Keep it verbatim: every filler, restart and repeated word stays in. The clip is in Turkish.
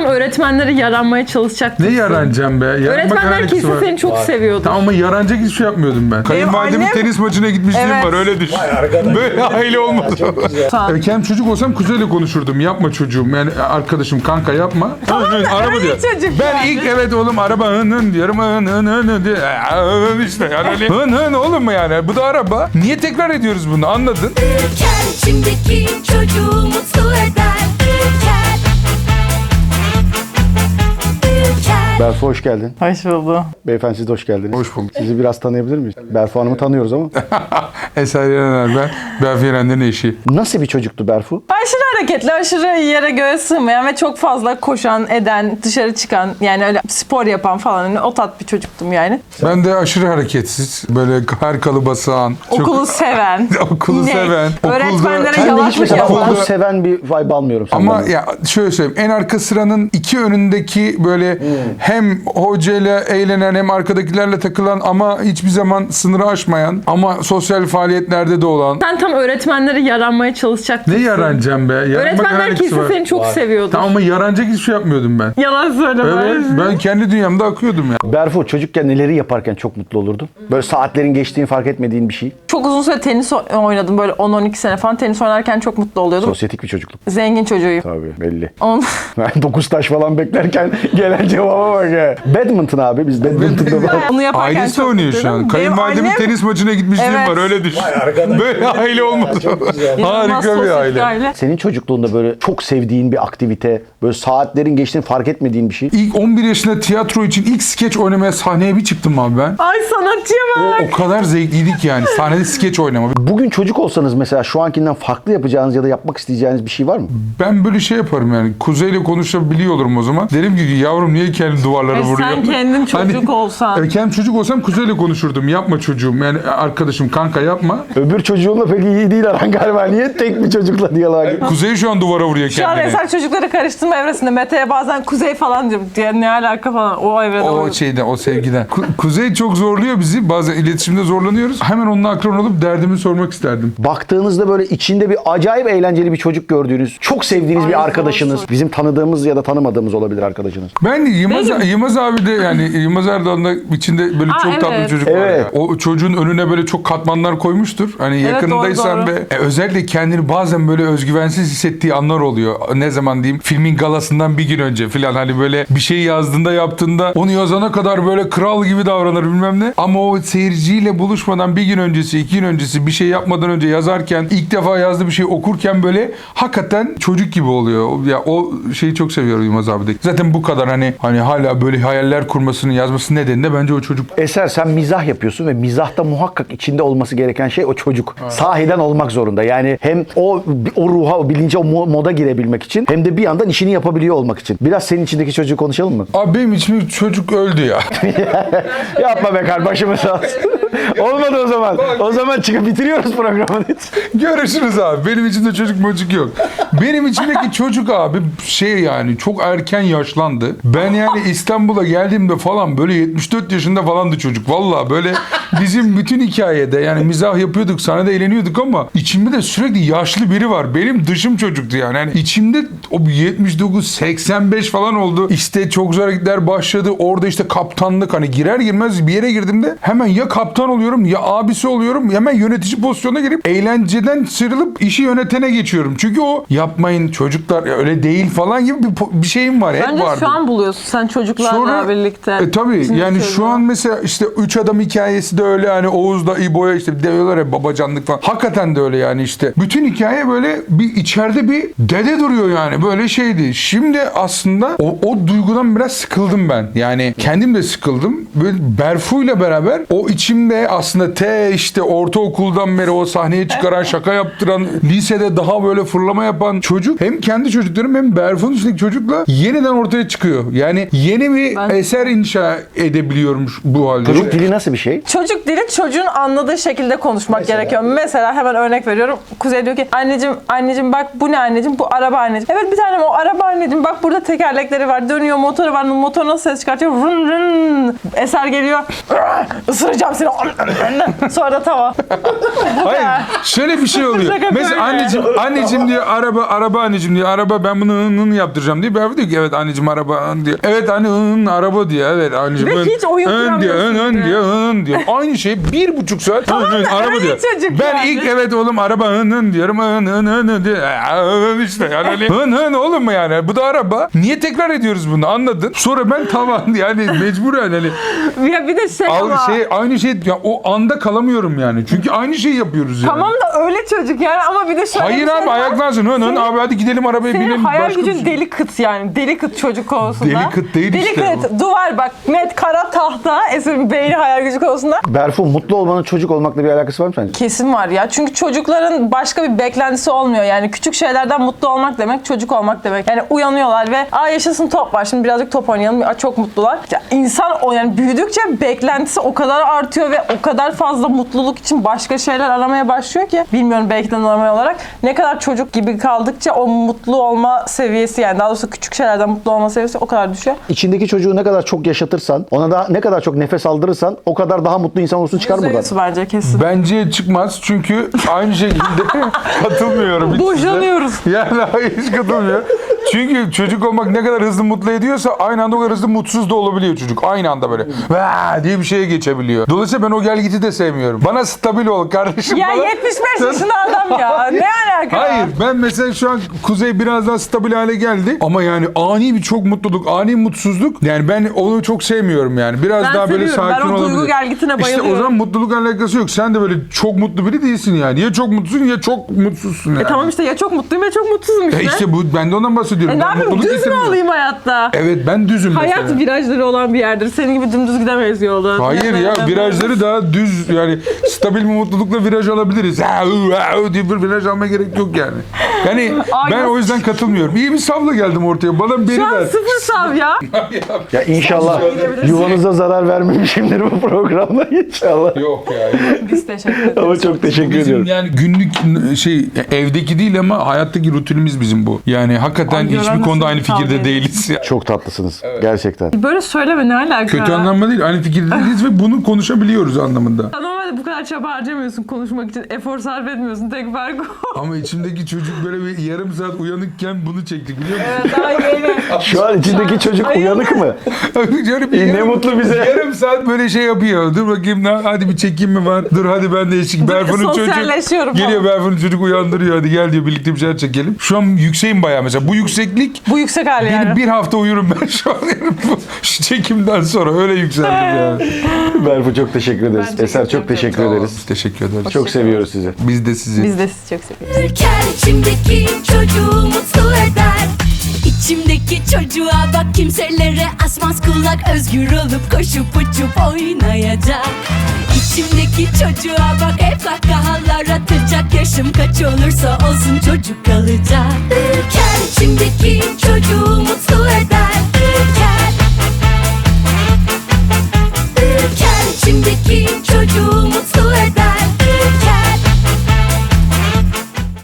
tam öğretmenlere yaranmaya çalışacaktım. Ne yaranacağım be? Yaranmak Öğretmenler kesin var. seni çok Var. seviyordu. Tamam ama yaranacak hiçbir şey yapmıyordum ben. Kayınvalidemin annem- tenis maçına gitmişliğim Evet. var, öyle düşün. Arkadaş. Böyle aile olmadı. Tamam. E, kendim çocuk olsam kuzeyle konuşurdum. Yapma çocuğum. Yani arkadaşım, kanka yapma. Tamam, hın, hın, araba diyor. çocuk Ben yani. ilk evet oğlum araba hın hın diyorum. Hın hın hın hın diyor. Hın işte yani öyle. Hın hın oğlum mu yani? Bu da araba. Niye tekrar ediyoruz bunu, anladın? Ülker içimdeki çocuğu mutlu eder. Ülker. Ülker. Berfu hoş geldin. Hoş bulduk. Beyefendi siz de hoş geldiniz. Hoş bulduk. Sizi biraz tanıyabilir miyiz? Berfu Hanım'ı tanıyoruz ama. Eser Yener ben. Berfu Yener'in eşi. Nasıl bir çocuktu Berfu? Aşırı hareketli, aşırı yere göğe sığmayan ve çok fazla koşan, eden, dışarı çıkan, yani öyle spor yapan falan, hani o tat bir çocuktum yani. Ben de aşırı hareketsiz. Böyle her kalıba sığan. çok- Okulu seven. Okulu inek, seven. Okulda- öğretmenlere Ben de hiç yalaklık mesela yapan. okulu seven bir vibe almıyorum senden. Ama ya şöyle söyleyeyim, en arka sıranın iki önündeki böyle hem hocayla eğlenen hem arkadakilerle takılan ama hiçbir zaman sınırı aşmayan ama sosyal faaliyetlerde de olan. Sen tam öğretmenlere yaranmaya çalışacaktın. Ne yaranacağım be? Yaranmak Öğretmenler alakası kesin var. seni çok Var. seviyordu. Tamam ama yaranacak hiçbir şey yapmıyordum ben. Yalan söyleme. Evet, ben kendi dünyamda akıyordum ya. Berfu çocukken neleri yaparken çok mutlu olurdun? Böyle saatlerin geçtiğini fark etmediğin bir şey. Çok uzun süre tenis o- oynadım, böyle on on iki sene falan. Tenis oynarken çok mutlu oluyordum. Sosyetik bir çocukluk. Zengin çocuğuyum. Tabii belli. On... Ben dokuz taş falan beklerken gelen cevaba bak ya. Badminton abi biz badminton'da falan. Onu yaparken Ailesi çok oynuyor şu mutluyum. an. Benim Kayınvalidemin annem- tenis maçına gitmişliğim Evet. var, öyle düşün. Vay arkadaş. Böyle aile olmadı. Çok güzel. İnanılmaz Harika bir sosyetik aile. Senin çocukluğunda böyle çok sevdiğin bir aktivite, böyle saatlerin geçtiğini fark etmediğin bir şey. İlk on bir yaşında tiyatro için ilk skeç oynamaya sahneye bir çıktım abi ben. Ay sanatçıya bak. O kadar zevkliydik yani. Sahnede skeç oynama. Bugün çocuk olsanız mesela şu ankinden farklı yapacağınız ya da yapmak isteyeceğiniz bir şey var mı? Ben böyle şey yaparım yani. Kuzey'le konuşabiliyor olurum o zaman. Derim ki yavrum niye kendi duvarlara E sen vuruyorsun? kendin çocuk olsan. E, kendim çocuk olsam Kuzey'le konuşurdum. Yapma çocuğum. Yani arkadaşım, kanka yapma. Öbür çocuğunla pek iyi değil aran galiba. Niye tek bir çocukla diyaloğa gir- Kuzey şu an duvara vuruyor Şu an kendini. Eser çocukları karıştırma evresinde. Mete'ye bazen kuzey falan diyorum. Diye ne alaka falan. O evrede O o. şeyden, o sevgiden. Ku- Kuzey çok zorluyor bizi. Bazen iletişimde zorlanıyoruz. Hemen onunla akran olup derdimi sormak isterdim. Baktığınızda böyle içinde bir acayip eğlenceli bir çocuk gördüğünüz, çok sevdiğiniz Ay, bir arkadaşınız, olsun. bizim tanıdığımız ya da tanımadığımız olabilir arkadaşınız. Ben Yılmaz, Benim- Yılmaz abi de yani Yılmaz Erdoğan da içinde böyle Aa, çok tatlı bir evet. çocuk var Evet. ya. O çocuğun önüne böyle çok katmanlar koymuştur. Hani Evet, yakınındaysan doğru, doğru. ve e, özellikle kendini bazen böyle özgüvensiz hissettiği anlar oluyor. Ne zaman diyeyim, filmin galasından bir gün önce falan, hani böyle bir şey yazdığında yaptığında onu yazana kadar böyle kral gibi davranır bilmem ne. Ama o seyirciyle buluşmadan bir gün öncesi, iki gün öncesi, bir şey yapmadan önce yazarken, ilk defa yazdığı bir şey okurken böyle hakikaten çocuk gibi oluyor. Ya o şeyi çok seviyorum Yılmaz abi de. Zaten bu kadar hani hani hala böyle hayaller kurmasını, yazması nedeni de bence o çocuk. Eser sen mizah yapıyorsun ve mizahta muhakkak içinde olması gereken şey o çocuk. Sahiden olmak zorunda. Yani hem o o ruha, o bilince, o mo- moda girebilmek için hem de bir yandan işini yapabiliyor olmak için. Biraz senin içindeki çocuğu konuşalım mı? Abi benim içimde çocuk öldü ya. Yapma be kardeşim, başımı sağ olsun. Olmadı o zaman. O zaman çıkıp bitiriyoruz programı. Görüşürüz abi. Benim içimde çocuk mocuk yok. Benim içimdeki çocuk abi şey yani çok erken yaşlandı. Ben yani İstanbul'a geldiğimde falan böyle yetmiş dört yaşında falandı çocuk. Vallahi böyle bizim bütün hikayede yani mizah yapıyorduk, sahnede eğleniyorduk ama içimde de sürekli yaşlı biri var. Benim dışım çocuktu yani. Yani içimde o yetmiş dokuz seksen beş falan oldu. İşte çok zor hareketler başladı. Orada işte kaptanlık, hani girer girmez bir yere girdiğimde hemen ya kaptan oluyorum ya abisi oluyorum. Hemen yönetici pozisyonuna girip eğlenceden sıyrılıp işi yönetene geçiyorum. Çünkü o yapmayın çocuklar ya öyle değil falan gibi bir, po- bir şeyim var. Hep Bence vardı. şu an buluyorsun sen çocuklarla Sonra, birlikte. E, tabii Şimdi yani çocuğu. şu an mesela işte Üç Adam hikayesi de öyle, hani Oğuz'da İbo'ya işte diyorlar ya babacanlık falan. Hakikaten de öyle yani işte. Bütün hikaye böyle bir içeride bir dede duruyor yani, böyle şeydi. Şimdi aslında o, o duygudan biraz sıkıldım ben. Yani kendim de sıkıldım. Böyle Berfu'yla beraber o içimde aslında te işte ortaokuldan beri o sahneye çıkaran, şaka yaptıran, lisede daha böyle fırlama yapan çocuk hem kendi çocuklarım hem Berfu'nun üstündeki çocukla yeniden ortaya çıkıyor. Yani yeni bir Ben- eser inşa edebiliyorum bu halde. Çocuk dili nasıl bir şey? Çocuk dili çocuğun anladığı şekilde konuşmak gerekiyor. Mesela hemen örnek veriyorum. Kuzey diyor ki anneciğim anneciğim bak bu ne anneciğim, bu araba anneciğim. Evet bir tanem o araba anneciğim, bak burada tekerlekleri var, dönüyor, motoru var, motor nasıl ses çıkartıyor, rın rın. Eser geliyor, ısıracağım seni Sonra da tamam. Hayır. Şöyle bir şey oluyor. Şaka Mesela böyle. anneciğim, anneciğim diyor araba, araba anneciğim diyor. Araba ben bunu ın, ın yaptıracağım diyor. Ben diyor ki evet anneciğim araba ın diyor. Evet anne ın araba diyor. Evet anneciğim Ve ın, hiç oyun ın diyor. In kuramıyorsun ın bile. diyor. In diyor. Aynı şey bir buçuk saat ın, ın, da araba öyle diyor. çocuk Ben yani. ilk evet oğlum araba ın ın diyorum. In ın ın ın diyor. Aa, ın işte yani hani, ın ın oğlum mu yani? Bu da araba. Niye tekrar ediyoruz bunu anladın? Sonra ben tamam yani mecbur yani. Hani, Ya bir de şey al, ama. şey, aynı şey ya o anda kalamıyorum yani. Çünkü aynı şeyi yapıyoruz yani. Tamam da öyle çocuk yani ama bir de şöyle Hayır bir şey abi var. ayaklansın. Hın hın Senin- abi hadi gidelim arabaya Senin binelim. hayal Başka bir gücün şey. deli kıt yani. Deli kıt çocuk konusunda. Deli kıt değil deli işte kıt. Duvar bak net kara tahta. Esin beyni hayal gücü konusunda. Berfu, mutlu olmanın çocuk olmakla bir alakası var mı sence? Kesin var ya. Çünkü çocukların başka bir beklentisi olmuyor. Yani küçük şeylerden mutlu olmak demek çocuk olmak demek. Yani uyanıyorlar ve aa yaşasın top var. Şimdi birazcık top oynayalım. Aa, çok mutlular. Ya insan o yani büyüdükçe beklentisi o kadar artıyor ve o kadar fazla mutluluk için başka şeyler aramaya başlıyor ki bilmiyorum belki de normal olarak ne kadar çocuk gibi kaldıkça o mutlu olma seviyesi yani daha doğrusu küçük şeylerden mutlu olma seviyesi o kadar düşüyor. İçindeki çocuğu ne kadar çok yaşatırsan, ona da ne kadar çok nefes aldırırsan o kadar daha mutlu insan olursun, çıkar buradan. Yüzde yüz bence kesin. Bence çıkmaz çünkü aynı şekilde katılmıyorum. hiç size. Boşanıyoruz. Yani hayır hiç katılmıyor. Çünkü çocuk olmak ne kadar hızlı mutlu ediyorsa aynı anda o kadar hızlı mutsuz da olabiliyor çocuk. Aynı anda böyle vaa diye bir şeye geçebiliyor. Dolayısıyla ben o gelgiti de sevmiyorum. Bana stabil ol kardeşim. Ya bana- yetmiş beş yaşında adam ya. Ne alaka? Hayır ben mesela şu an Kuzey biraz daha stabil hale geldi ama yani ani bir çok mutluluk, ani mutsuzluk yani ben onu çok sevmiyorum yani. Biraz Ben daha böyle seviyorum. sakin Ben o olabilir. duygu gelgitine İşte o bayılıyorum. zaman mutluluk alakası yok. Sen de böyle çok mutlu biri değilsin yani. Ya çok mutlusun ya çok mutsuzsun yani. E tamam işte ya çok mutluyum ya çok mutsuzum işte. Ya işte bu ben de ondan bahsediyorum. E ne Ben yapayım mutluluk düz mü getirmiyorum. olayım hayatta? Evet ben düzüm Hayat mesela. virajları olan bir yerdir. Senin gibi dümdüz gidemeyiz yolda. Hayır ya virajları daha düz yani stabil bir mutlulukla viraj alabiliriz. Ha, hu, ha, hu diye bir viraj almaya gerek yok yani. Yani ben Ay, o yüzden katılmıyorum. İyi bir savla geldim ortaya. Bana beni Şu an ver. sıfır sav ya. Ya inşallah yuvanıza zarar vermemişimdir bu programda inşallah. Yok ya. Biz teşekkür ederiz. Ama çok teşekkür Bizim ediyorum. yani günlük şey evdeki değil ama hayattaki rutinimiz bizim bu. Yani hakikaten Ay, hiçbir göremezsin, konuda aynı kavga fikirde ederiz. değiliz. Ya. Çok tatlısınız gerçekten. Böyle söyleme ne alaka? Kötü anlamda değil. Aynı fikirde değiliz ve bunu konuşabiliyoruz anlamında. Normalde bu kadar çaba harcamıyorsun konuşmak için. Efor sarf etmiyorsun. Tek fark o. Ama içimdeki çocuk böyle bir yarım saat uyanıkken bunu çekti biliyor musun? Evet, daha yeni. Şu an içindeki çocuk Ay, uyanık mı? Şöyle bir İyi, ne yarım- mutlu bize. Yarım saat böyle şey yapıyor. Dur bakayım lan, hadi bir çekim mi var? Dur hadi ben de eşlik. Berfun'un çocuk sosyalleşiyorum geliyor, falan. Berfun'un çocuk uyandırıyor. Hadi gel diyor birlikte bir şeyler çekelim. Şu an yükseğim bayağı mesela. Bu yükseklik Bu yüksek hali beni yani. bir hafta uyurum ben şu an. Yani bu şu çekimden sonra öyle yükseldim yani. Berfu çok teşekkür ederiz. Ben Eser teşekkür çok teşekkür Sağ olun, ederiz. biz teşekkür ederiz. Çok seviyoruz sizi. Biz de sizi. Biz de sizi çok seviyoruz. Ürker içimdeki çocuğu mutlu eder. İçimdeki çocuğa bak kimselere asmaz kulak. Özgür olup koşup uçup oynayacak. İçimdeki çocuğa bak hep kahkahalar atacak. Yaşım kaç olursa olsun çocuk kalacak.